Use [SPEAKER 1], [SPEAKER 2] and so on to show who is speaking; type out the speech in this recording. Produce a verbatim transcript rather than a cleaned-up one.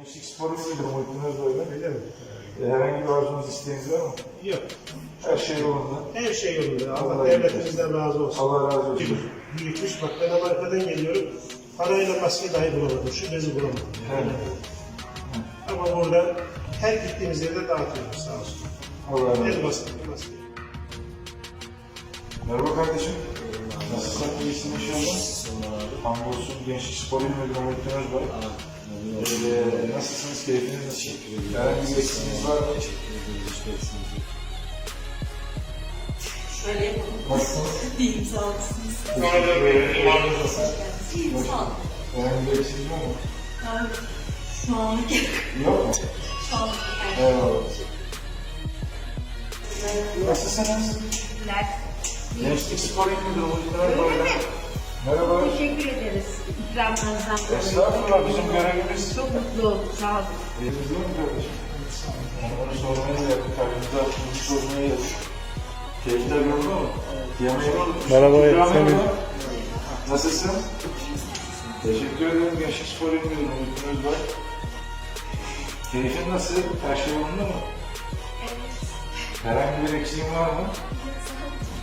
[SPEAKER 1] Gençlik sporu muydu? Muhittin Özbay'la.
[SPEAKER 2] Öyle mi?
[SPEAKER 1] E, herhangi bir arzunuz, isteğiniz var mı?
[SPEAKER 2] Yok.
[SPEAKER 1] Her şey yolunda.
[SPEAKER 2] Her şey yolunda. Allah
[SPEAKER 1] Allah
[SPEAKER 2] devletimizden razı olsun.
[SPEAKER 1] Allah razı olsun.
[SPEAKER 2] Büyük- Büyütmüş. Bak ben Amerika'dan geliyorum. Parayla maske dahi bulamadım. Şu bezi bulamadım.
[SPEAKER 1] Evet.
[SPEAKER 2] Ama burada her gittiğimiz yerde dağıtıyoruz sağ olsun.
[SPEAKER 1] Allah razı
[SPEAKER 2] En
[SPEAKER 1] olsun.
[SPEAKER 2] basit bir maske.
[SPEAKER 1] Merhaba kardeşim. Nasılsın? İyisin inşallah. Hamdolsun. Gençlik Spor İl Müdürü Muhittin Özbay. Ee, nasılsınız? Keyfiniz nasıl? Herhangi bir eksiğiniz var mı?
[SPEAKER 3] Şöyle yapalım.
[SPEAKER 1] Nasılsınız?
[SPEAKER 3] Diyeyim sağ olasınız. İyiyim sağ olun.
[SPEAKER 1] Herhangi bir eksiğiniz var mı?
[SPEAKER 3] Ben şu anlık
[SPEAKER 1] Yok mu?
[SPEAKER 3] şu anlık
[SPEAKER 1] Eyvallah. Nasılsınız?
[SPEAKER 4] Teşekkürler.
[SPEAKER 1] Gençlik Spor İl Müdürü Muhittin Özbay'la. Merhaba.
[SPEAKER 4] Teşekkür ederiz ikramlarınızdan dolayı.
[SPEAKER 1] Estağfurullah, bizim görevimiz.
[SPEAKER 4] Çok mutlu olduk, sağ olun.
[SPEAKER 1] Eliniz değil mi kardeşim? Onu sormaya da yakın. Kalbimizi açtığımızı sormaya yakın. Keyifler yolunda mı? Yemeği oldu.
[SPEAKER 5] Merhaba,
[SPEAKER 1] İkram
[SPEAKER 5] Semih.
[SPEAKER 1] yolunda. Nasılsın? Teşekkür ederim. Gençlik Spor İl Müdürü Muhittin Özbay. Keyfin nasıl? Her şey yolunda mı? Herhangi bir eksiğin var mı?